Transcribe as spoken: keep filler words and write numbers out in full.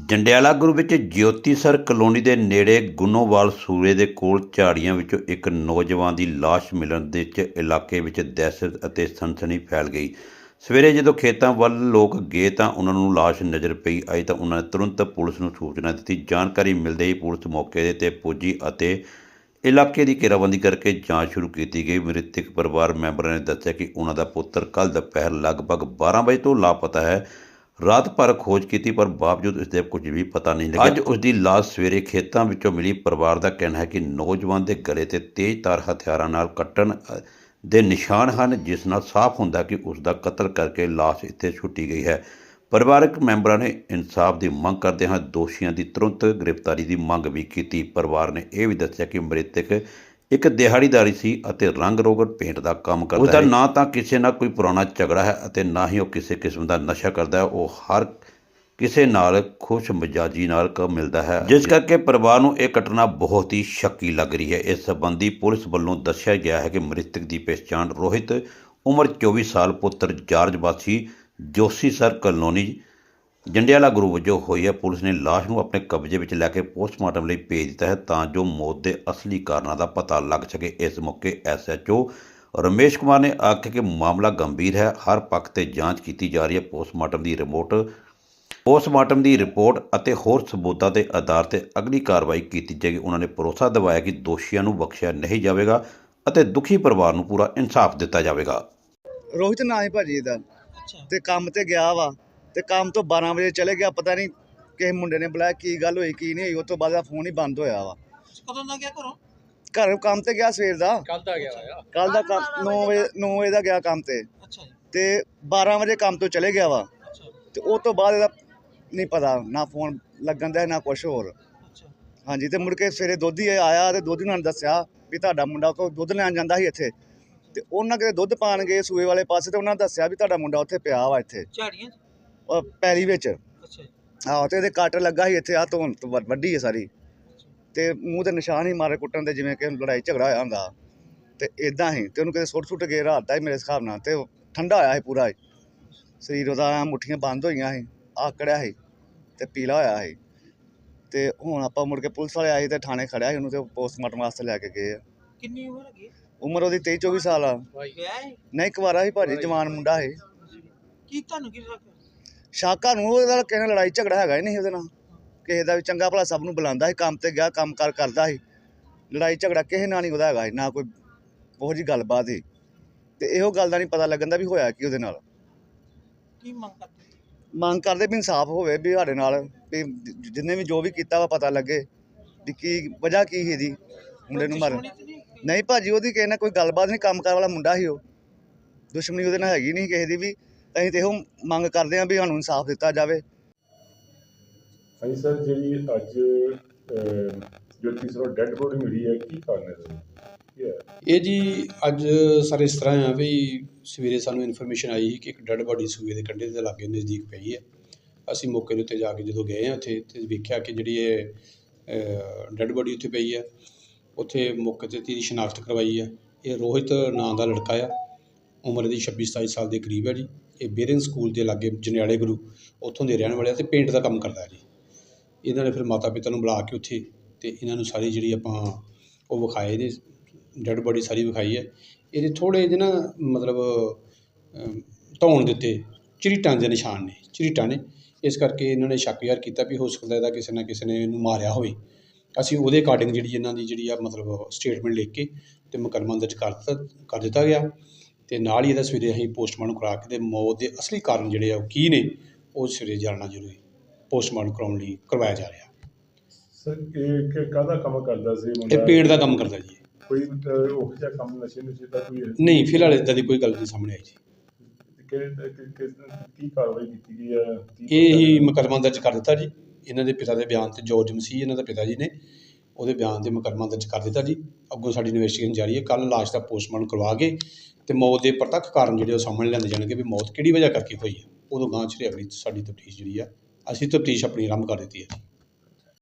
ਜੰਡਿਆਲਾ ਗੁਰੂ ਵਿੱਚ ਜੋਤੀਸਰ ਕਲੋਨੀ ਦੇ ਨੇੜੇ ਗੁੰਨੋਵਾਲ ਸੂਰੇ ਦੇ ਕੋਲ ਝਾੜੀਆਂ ਵਿੱਚੋਂ ਇੱਕ ਨੌਜਵਾਨ ਦੀ ਲਾਸ਼ ਮਿਲਣ ਦੇ 'ਚ ਇਲਾਕੇ ਵਿੱਚ ਦਹਿਸ਼ਤ ਅਤੇ ਸਨਸਨੀ ਫੈਲ ਗਈ। ਸਵੇਰੇ ਜਦੋਂ ਖੇਤਾਂ ਵੱਲ ਲੋਕ ਗਏ ਤਾਂ ਉਹਨਾਂ ਨੂੰ ਲਾਸ਼ ਨਜ਼ਰ ਪਈ ਆਈ ਤਾਂ ਉਹਨਾਂ ਨੇ ਤੁਰੰਤ ਪੁਲਿਸ ਨੂੰ ਸੂਚਨਾ ਦਿੱਤੀ। ਜਾਣਕਾਰੀ ਮਿਲਦੇ ਹੀ ਪੁਲਿਸ ਮੌਕੇ 'ਤੇ ਪੁੱਜੀ ਅਤੇ ਇਲਾਕੇ ਦੀ ਘੇਰਾਬੰਦੀ ਕਰਕੇ ਜਾਂਚ ਸ਼ੁਰੂ ਕੀਤੀ ਗਈ। ਮ੍ਰਿਤਕ ਪਰਿਵਾਰ ਮੈਂਬਰਾਂ ਨੇ ਦੱਸਿਆ ਕਿ ਉਹਨਾਂ ਦਾ ਪੁੱਤਰ ਕੱਲ੍ਹ ਦੁਪਹਿਰ ਲਗਭਗ ਬਾਰਾਂ ਵਜੇ ਤੋਂ ਲਾਪਤਾ ਹੈ। ਰਾਤ ਭਰ ਖੋਜ ਕੀਤੀ ਪਰ ਬਾਵਜੂਦ ਇਸ ਦੇ ਕੁਝ ਵੀ ਪਤਾ ਨਹੀਂ ਲੱਗਿਆ। ਅੱਜ ਉਸ ਦੀ ਲਾਸ਼ ਸਵੇਰੇ ਖੇਤਾਂ ਵਿੱਚੋਂ ਮਿਲੀ। ਪਰਿਵਾਰ ਦਾ ਕਹਿਣਾ ਹੈ ਕਿ ਨੌਜਵਾਨ ਦੇ ਗਲੇ 'ਤੇ ਤੇਜ਼ਧਾਰ ਹਥਿਆਰਾਂ ਨਾਲ ਕੱਟਣ ਦੇ ਨਿਸ਼ਾਨ ਹਨ, ਜਿਸ ਨਾਲ ਸਾਫ਼ ਹੁੰਦਾ ਕਿ ਉਸ ਦਾ ਕਤਲ ਕਰਕੇ ਲਾਸ਼ ਇੱਥੇ ਸੁੱਟੀ ਗਈ ਹੈ। ਪਰਿਵਾਰਕ ਮੈਂਬਰਾਂ ਨੇ ਇਨਸਾਫ ਦੀ ਮੰਗ ਕਰਦੇ ਹੋਏ ਦੋਸ਼ੀਆਂ ਦੀ ਤੁਰੰਤ ਗ੍ਰਿਫਤਾਰੀ ਦੀ ਮੰਗ ਵੀ ਕੀਤੀ। ਪਰਿਵਾਰ ਨੇ ਇਹ ਵੀ ਦੱਸਿਆ ਕਿ ਮ੍ਰਿਤਕ ਇੱਕ ਦਿਹਾੜੀਦਾਰੀ ਸੀ ਅਤੇ ਰੰਗ ਰੋਗਨ ਪੇਂਟ ਦਾ ਕੰਮ ਕਰਦਾ ਹੈ। ਉਸਦਾ ਨਾ ਤਾਂ ਕਿਸੇ ਨਾਲ ਕੋਈ ਪੁਰਾਣਾ ਝਗੜਾ ਹੈ ਅਤੇ ਨਾ ਹੀ ਉਹ ਕਿਸੇ ਕਿਸਮ ਦਾ ਨਸ਼ਾ ਕਰਦਾ ਹੈ। ਉਹ ਹਰ ਕਿਸੇ ਨਾਲ ਖੁਸ਼ ਮਿਜਾਜੀ ਨਾਲ ਕ ਮਿਲਦਾ ਹੈ, ਜਿਸ ਕਰਕੇ ਪਰਿਵਾਰ ਨੂੰ ਇਹ ਘਟਨਾ ਬਹੁਤ ਹੀ ਸ਼ੱਕੀ ਲੱਗ ਰਹੀ ਹੈ। ਇਸ ਸੰਬੰਧੀ ਪੁਲਿਸ ਵੱਲੋਂ ਦੱਸਿਆ ਗਿਆ ਹੈ ਕਿ ਮ੍ਰਿਤਕ ਦੀ ਪਛਾਣ ਰੋਹਿਤ ਉਮਰ ਚੌਵੀ ਸਾਲ ਪੁੱਤਰ ਜਾਰਜ ਵਾਸੀ ਜੋਤੀਸਰ ਕਲੋਨੀ ਜੰਡਿਆਲਾ ਗੁਰੂ ਵਜੋਂ ਹੋਈ ਹੈ। ਪੁਲਿਸ ਨੇ ਲਾਸ਼ ਨੂੰ ਆਪਣੇ ਕਬਜ਼ੇ ਵਿੱਚ ਲੈ ਕੇ ਪੋਸਟਮਾਰਟਮ ਲਈ ਭੇਜ ਦਿੱਤਾ ਹੈ ਤਾਂ ਜੋ ਮੌਤ ਦੇ ਅਸਲੀ ਕਾਰਨਾਂ ਦਾ ਪਤਾ ਲੱਗ ਸਕੇ। ਇਸ ਮੌਕੇ S H O Ramesh Kumar ਨੇ ਆਖਿਆ ਕਿ ਮਾਮਲਾ ਗੰਭੀਰ ਹੈ, ਹਰ ਪੱਖ ਤੇ ਜਾਂਚ ਕੀਤੀ ਜਾ ਰਹੀ ਹੈ। ਪੋਸਟਮਾਰਟਮ ਦੀ ਰਿਪੋਰਟ ਪੋਸਟਮਾਰਟਮ ਦੀ ਰਿਪੋਰਟ ਅਤੇ ਹੋਰ ਸਬੂਤਾਂ ਦੇ ਆਧਾਰ ਤੇ ਅਗਲੀ ਕਾਰਵਾਈ ਕੀਤੀ ਜਾਏਗੀ। ਉਹਨਾਂ ਨੇ ਭਰੋਸਾ ਦਿਵਾਇਆ ਕਿ ਦੋਸ਼ੀਆਂ ਨੂੰ ਬਖਸ਼ਿਆ ਨਹੀਂ ਜਾਵੇਗਾ ਅਤੇ ਦੁਖੀ ਪਰਿਵਾਰ ਨੂੰ ਪੂਰਾ ਇਨਸਾਫ ਦਿੱਤਾ ਜਾਵੇਗਾ। ਰੋਹਿਤ ਨਾਂ ਹੈ ਭਾਜੀ ਇਹਦਾ, ਤੇ ਕੰਮ ਤੇ ਗਿਆ ਵਾ ਤੇ ਕੰਮ ਤੋਂ ਬਾਰਾਂ ਵਜੇ ਚਲੇ ਗਿਆ। ਪਤਾ ਨਹੀਂ ਕਿਸੇ ਮੁੰਡੇ ਨੇ ਬੁਲਾਇਆ, ਕੀ ਗੱਲ ਹੋਈ ਕੀ ਨਹੀਂ ਹੋਈ। ਉਸ ਤੋਂ ਬਾਅਦ ਦਾ ਫੋਨ ਹੀ ਬੰਦ ਹੋਇਆ ਵਾ। ਕਦੋਂ ਦਾ ਗਿਆ ਘਰੋਂ? ਘਰ ਕੰਮ ਤੇ ਗਿਆ ਸਵੇਰ ਦਾ, ਕੱਲ ਦਾ ਗਿਆ ਹੋਇਆ। ਕੱਲ ਦਾ ਕੰਮ ਨੌ ਵਜੇ ਨੌ ਵਜੇ ਦਾ ਗਿਆ ਕੰਮ ਤੇ ਅੱਛਾ ਜੀ। ਤੇ ਬਾਰਾਂ ਵਜੇ ਕੰਮ ਤੋਂ ਚਲੇ ਗਿਆ ਵਾ। ਅੱਛਾ ਤੇ ਉਸ ਤੋਂ ਬਾਅਦ ਇਹਦਾ ਨਹੀਂ ਪਤਾ, ਨਾ ਫੋਨ ਲੱਗਣ ਦਾ ਨਾ ਕੁਛ ਹੋਰ। ਅੱਛਾ ਹਾਂਜੀ, ਤੇ ਮੁੜ ਕੇ ਸਵੇਰੇ ਦੁੱਧ ਹੀ ਆਇਆ ਤੇ ਦੁੱਧ ਨਾਲ ਦੱਸਿਆ ਵੀ ਤੁਹਾਡਾ ਮੁੰਡਾ ਉੱਥੋਂ ਦੁੱਧ ਲੈਣ ਜਾਂਦਾ ਸੀ ਇੱਥੇ, ਤੇ ਉਹਨਾਂ ਕਿਤੇ ਦੁੱਧ ਪਾਣ ਗਏ ਸੂਏ ਵਾਲੇ ਪਾਸੇ ਤੇ ਉਹਨਾਂ ਦੱਸਿਆ ਵੀ ਤੁਹਾਡਾ ਮੁੰਡਾ ਉੱਥੇ ਪਿਆ ਵਾ ਇੱਥੇ ਝਾੜੀਆਂ 'ਚ? ਉਹ ਪੈਲੀ ਵਿੱਚ। ਅੱਛਾ ਜੀ। ਆਹੋ, ਤੇ ਇਹਦੇ ਕੱਟ ਲੱਗਾ ਸੀ ਇੱਥੇ, ਆਹ ਧੌਣ ਤੋਂ ਵੱ- ਵੱਡੀ ਹੈ ਸਾਰੀ, ਤੇ ਮੂੰਹ ਤੇ ਨਿਸ਼ਾਨ ਹੀ ਮਾਰੇ ਕੁੱਟਣ ਦੇ, ਜਿਵੇਂ ਕਿ ਲੜਾਈ ਝਗੜਾ ਹੋਇਆ ਹੁੰਦਾ। ਤੇ ਇਦਾਂ ਹੀ ਤੇ ਉਹਨੂੰ ਕਿਤੇ ਸੁੱਟ ਸੁੱਟ ਕੇ ਰਾਤ ਦਾ ਹੀ ਮੇਰੇ ਹਿਸਾਬ ਨਾਲ, ਤੇ ਉਹ ਠੰਡਾ ਹੋਇਆ ਸੀ ਪੂਰਾ ਸਰੀਰ ਉਹਦਾ, ਐਂ ਮੁੱਠੀਆਂ ਬੰਦ ਹੋਈਆਂ ਸੀ, ਆਕੜਿਆ ਸੀ ਤੇ ਪੀਲਾ ਹੋਇਆ ਸੀ। ਤੇ ਹੁਣ ਆਪਾਂ ਮੁੜ ਕੇ ਪੁਲਿਸ ਵਾਲੇ ਆਏ ਤੇ ਥਾਣੇ ਖੜਿਆ ਸੀ ਉਹਨੂੰ, ਤੇ ਪੋਸਟਮਾਰਟਮ ਵਾਸਤੇ ਲੈ ਕੇ ਗਏ ਆ। ਕਿੰਨੀ ਉਮਰ ਹੈਗੀ? ਉਮਰ ਉਹਦੀ ਤੇਈ ਚੌਵੀ ਸਾਲ ਆ। ਵਿਆਹ ਹੈ? ਨਹੀਂ, ਕੁਵਾਰਾ ਸੀ ਭਾਜੀ, ਜਵਾਨ ਮੁੰਡਾ ਸੀ। ਕੀ ਤੁਹਾਨੂੰ ਕੀ ਲੱਗਦਾ? ਸ਼ਾਕਾ ਨੂੰ ਉਹਦਾ ਕਿਸੇ ਨਾਲ ਲੜਾਈ ਝਗੜਾ ਹੈਗਾ ਹੀ ਨਹੀਂ ਉਹਦੇ ਨਾਲ, ਕਿਸੇ ਦਾ ਵੀ ਚੰਗਾ ਭਲਾ ਸਭ ਨੂੰ ਬੁਲਾਉਂਦਾ ਸੀ, ਕੰਮ ਤੇ ਗਿਆ ਕੰਮ ਕਾਰ ਕਰਦਾ ਸੀ। ਲੜਾਈ ਝਗੜਾ ਕਿਸੇ ਨਾਲ ਨਹੀਂ ਉਹਦਾ ਹੈਗਾ ਸੀ, ਨਾ ਕੋਈ ਉਹੋ ਜਿਹੀ ਗੱਲਬਾਤ ਸੀ। ਤੇ ਇਹੋ ਗੱਲ ਦਾ ਨਹੀਂ ਪਤਾ ਲੱਗਣ ਦਾ ਵੀ ਹੋਇਆ ਕੀ ਉਹਦੇ ਨਾਲ। ਕੀ ਮੰਗ ਕਰਦੇ? ਮੰਗ ਕਰਦੇ ਵੀ ਇਨਸਾਫ ਹੋਵੇ, ਵੀ ਸਾਡੇ ਨਾਲ ਵੀ ਜਿੰਨੇ ਵੀ ਜੋ ਵੀ ਕੀਤਾ ਵਾ ਪਤਾ ਲੱਗੇ ਵੀ ਕੀ ਵਜ੍ਹਾ ਕੀ ਸੀ ਇਹਦੀ ਮੁੰਡੇ ਨੂੰ ਮਾਰਨ। ਨਹੀਂ ਭਾਜੀ, ਉਹਦੀ ਕਿਸੇ ਨਾਲ ਕੋਈ ਗੱਲਬਾਤ ਨਹੀਂ, ਕੰਮ ਕਾਰ ਵਾਲਾ ਮੁੰਡਾ ਸੀ ਉਹ, ਦੁਸ਼ਮਣੀ ਉਹਦੇ ਨਾਲ ਹੈਗੀ ਨਹੀਂ ਕਿਸੇ ਦੀ ਵੀ। ਅਸੀਂ ਤੇ ਇਹੋ ਮੰਗ ਕਰਦੇ ਹਾਂ ਵੀ ਸਾਨੂੰ ਇਨਸਾਫ ਦਿੱਤਾ ਜਾਵੇ। ਹਾਂਜੀ ਸਰ, ਜਿਹੜੀ ਅੱਜ ਜੋਤੀਸਰ ਡੈੱਡ ਬੋਡੀ ਮਿਲੀ ਹੈ, ਕੀ ਕਾਰਨ ਹੈ? ਇਹ ਜੀ ਅੱਜ ਸਰ ਇਸ ਤਰ੍ਹਾਂ ਆ ਵੀ ਸਵੇਰੇ ਸਾਨੂੰ ਇਨਫੋਰਮੇਸ਼ਨ ਆਈ ਸੀ ਕਿ ਇੱਕ ਡੈੱਡ ਬੋਡੀ ਸੂਏ ਦੇ ਕੰਢੇ ਦੇ ਲਾਗੇ ਨਜ਼ਦੀਕ ਪਈ ਹੈ। ਅਸੀਂ ਮੌਕੇ ਦੇ ਉੱਤੇ ਜਾ ਕੇ ਜਦੋਂ ਗਏ ਹਾਂ ਉੱਥੇ ਤੇ ਵੇਖਿਆ ਕਿ ਜਿਹੜੀ ਇਹ ਡੈੱਡ ਬੋਡੀ ਉੱਥੇ ਪਈ ਹੈ। ਉੱਥੇ ਮੌਕੇ 'ਤੇ ਇਹਦੀ ਸ਼ਨਾਖਤ ਕਰਵਾਈ ਹੈ। ਇਹ ਰੋਹਿਤ ਨਾਂ ਦਾ ਲੜਕਾ ਆ, ਉਮਰ ਦੀ ਛੱਬੀ ਸਤਾਈ ਸਾਲ ਦੇ ਕਰੀਬ ਹੈ ਜੀ। ਇਹ ਬੇਰਿੰਗ ਸਕੂਲ ਦੇ ਲਾਗੇ ਜੰਡਿਆਲੇ ਗੁਰੂ ਉੱਥੋਂ ਦੇ ਰਹਿਣ ਵਾਲੇ ਅਤੇ ਪੇਂਟ ਦਾ ਕੰਮ ਕਰਦਾ ਜੀ। ਇਹਨਾਂ ਨੇ ਫਿਰ ਮਾਤਾ ਪਿਤਾ ਨੂੰ ਬੁਲਾ ਕੇ ਉੱਥੇ ਅਤੇ ਇਹਨਾਂ ਨੂੰ ਸਾਰੀ ਜਿਹੜੀ ਆਪਾਂ ਉਹ ਵਿਖਾਏ, ਇਹਦੇ ਡੈੱਡ ਬੋਡੀ ਸਾਰੀ ਵਿਖਾਈ ਹੈ। ਇਹਦੇ ਥੋੜ੍ਹੇ ਜਿਹੇ ਨਾ ਮਤਲਬ ਧੌਣ ਦੇ ਉੱਤੇ ਝਰੀਟਾਂ ਦੇ ਨਿਸ਼ਾਨ ਨੇ, ਝਰੀਟਾਂ ਨੇ। ਇਸ ਕਰਕੇ ਇਹਨਾਂ ਨੇ ਸ਼ੱਕ ਜ਼ਾਹਰ ਕੀਤਾ ਵੀ ਹੋ ਸਕਦਾ ਇਹਦਾ ਕਿਸੇ ਨਾ ਕਿਸੇ ਨੇ ਇਹਨੂੰ ਮਾਰਿਆ ਹੋਵੇ। ਅਸੀਂ ਉਹਦੇ ਅਕਾਰਡਿੰਗ ਜਿਹੜੀ ਇਹਨਾਂ ਦੀ ਜਿਹੜੀ ਆ ਮਤਲਬ ਸਟੇਟਮੈਂਟ ਲਿਖ ਕੇ ਅਤੇ ਮੁਕੱਦਮਾ ਦਰਜ ਕਰ ਦਿੱਤਾ ਕਰ ਦਿੱਤਾ ਗਿਆ। ਅਤੇ ਨਾਲ ਹੀ ਇਹਦਾ ਸਵੇਰੇ ਅਸੀਂ ਪੋਸਟਮਾਰਟਮ ਕਰਾ ਕੇ ਅਤੇ ਮੌਤ ਦੇ ਅਸਲੀ ਕਾਰਨ ਜਿਹੜੇ ਆ ਉਹ ਕੀ ਨੇ ਉਹ ਸਵੇਰੇ ਜਾਣਨਾ ਜ਼ਰੂਰੀ ਪੋਸਟਮਾਰਟਮ ਕਰਾਉਣ ਲਈ ਕਰਵਾਇਆ ਜਾ ਰਿਹਾ। ਸਰ ਇਹ ਕਾਹਦਾ ਕੰਮ ਕਰਦਾ ਸੀ? ਇਹ ਪੇਂਟ ਦਾ ਕੰਮ ਕਰਦਾ ਜੀ। ਕੋਈ ਉਹ ਜਿਹਾ ਕੰਮ ਨਸ਼ੇ ਨੁਸ਼ੇ ਦਾ ਕੋਈ? ਨਹੀਂ, ਫਿਲਹਾਲ ਇੱਦਾਂ ਦੀ ਕੋਈ ਗੱਲ ਨਹੀਂ ਸਾਹਮਣੇ ਆਈ ਜੀ। ਕੀ ਕਾਰਵਾਈ ਕੀਤੀ ਗਈ ਹੈ? ਇਹ ਹੀ ਮੁਕੱਦਮਾ ਦਰਜ ਕਰ ਦਿੱਤਾ ਜੀ। ਇਹਨਾਂ ਦੇ ਪਿਤਾ ਦੇ ਬਿਆਨ 'ਤੇ ਜੋਰਜ ਮਸੀਹ ਇਹਨਾਂ ਦਾ ਪਿਤਾ ਜੀ ਨੇ ਉਹਦੇ ਬਿਆਨ 'ਤੇ ਮੁਕੱਦਮਾ ਦਰਜ ਕਰ ਦਿੱਤਾ ਜੀ। ਅੱਗੋਂ ਸਾਡੀ ਇਨਵੈਸਟੀਗੇਸ਼ਨ ਜਾਰੀ ਹੈ। ਕੱਲ੍ਹ ਲਾਸ਼ ਦਾ ਪੋਸਟਮਾਰਟਮ ਕਰਵਾ ਕੇ ਅਤੇ ਮੌਤ ਦੇ ਪ੍ਰਤੱਖ ਕਾਰਨ ਜਿਹੜੇ ਉਹ ਸਾਹਮਣੇ ਲਿਆਂਦੇ ਜਾਣਗੇ ਵੀ ਮੌਤ ਕਿਹੜੀ ਵਜ੍ਹਾ ਕਰਕੇ ਹੋਈ ਹੈ। ਉਦੋਂ ਗਾਂਹ 'ਚ ਅਗਲੀ ਸਾਡੀ ਤਫਤੀਸ਼ ਜਿਹੜੀ ਆ ਅਸੀਂ ਤਫਤੀਸ਼ ਆਪਣੀ ਆਰੰਭ ਕਰ ਦਿੱਤੀ ਹੈ।